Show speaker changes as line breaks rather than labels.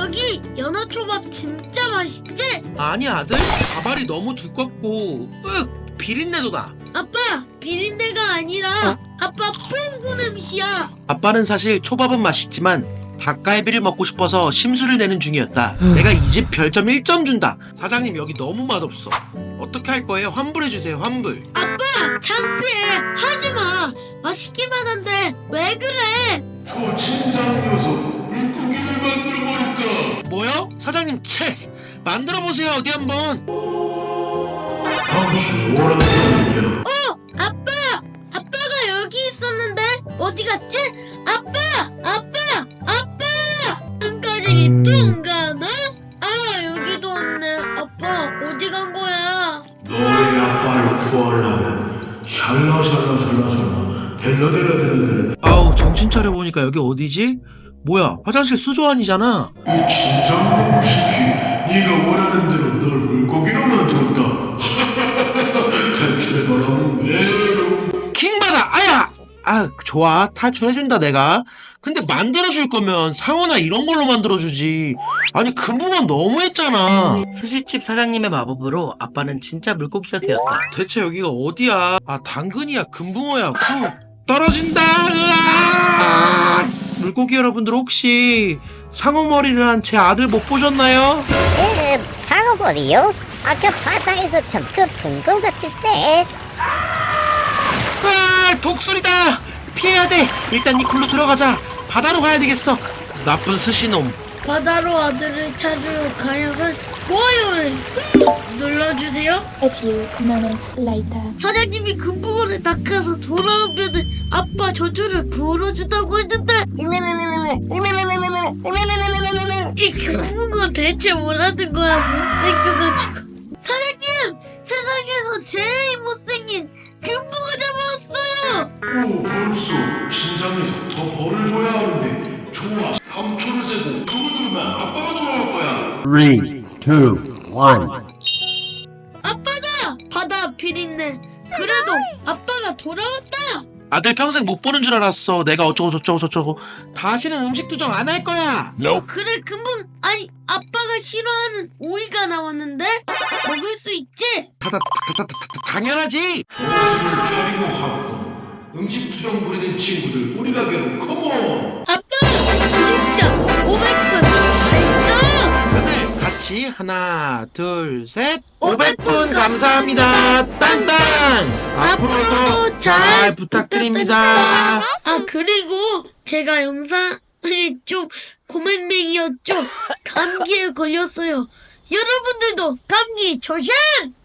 여기 연어초밥 진짜 맛있지?
아니 아들, 밥알이 너무 두껍고 비린내도 나.
아빠, 비린내가 아니라 아빠 뽕구 냄새야.
아빠는 사실 초밥은 맛있지만 닭갈비를 먹고 싶어서 심술을 내는 중이었다. 내가 이 집 별점 1점 준다. 사장님 여기 너무 맛없어. 어떻게 할 거예요? 환불해주세요. 환불.
아빠, 창피해. 하지마. 맛있기만 한데 왜 그래?
저 진상 녀석 물고기를 만들어버릴까?
뭐요? 사장님 채 만들어보세요. 어디 한번.
당신이 원하는
아빠가 여기 있었는데 어디 갔지? 아빠! 뚱가지기 뚱가나? 아, 여기도 없네. 아빠, 어디 간 거야?
너의 아빠를 구하려면 샬라샬라샬라샬라 델라델라델라델라
아우 정신 차려보니까 여기 어디지? 뭐야 화장실 수조 아니잖아.
이 진상 새끼 네가 원하는 대로 널 물고기로 만들었다. 탈출해봐라 메롱.
킹받아. 아야. 아 좋아 탈출해준다 내가. 근데 만들어줄 거면 상어나 이런 걸로 만들어주지. 아니 금붕어 너무했잖아.
스시집 사장님의 마법으로 아빠는 진짜 물고기가 되었다.
대체 여기가 어디야? 아 당근이야 금붕어야. 떨어진다. 으아! 물고기 여러분들 혹시 상어 머리를 한 제 아들 못 보셨나요?
상어머리요? 아까 바다에서 그 본것 같은데.
으아 독수리다. 피해야 돼. 일단 이 굴로 들어가자. 바다로 가야 되겠어. 나쁜 스시놈.
바다로 아들을 찾으러 가려면 좋아요를 눌러주세요.
A few moments later.
사장님이 금붕어를 낚아서 돌아오면은 아빠 저주를 불어준다고 했는데 이 금붕어 대체 뭐라는 거야. 못생겨가지고. 사장님, 세상에서 제일 못생긴 금붕어 잡아왔어요.
오 벌써 진상 녀석 더 벌을 줘야 하는데. 좋아 3초를 세고 누구 누르면 아빠가 돌아올 거야.
3, 2, 1.
아빠다! 바다 비린내. 그래도 아빠가 돌아왔다.
아들 평생 못 보는 줄 알았어. 내가 어쩌고 저쩌고 저쩌고. 다시는 음식 투정 안 할 거야.
그래, 아니 아빠가 싫어하는 오이가 나왔는데 먹을 수 있지?
당연하지.
정신을 차리고 하고 음식 투정 부리는 친구들 우리 가게로 컴온.
아빠! 구독자 500분 됐어!
다들 같이 하나 둘 셋 500분 감사합니다. 땅땅. 앞으로도 잘 부탁드립니다.
아, 그리고 제가 영상이 좀 고맹맹이였죠. 감기에 걸렸어요. 여러분들도 감기 조심!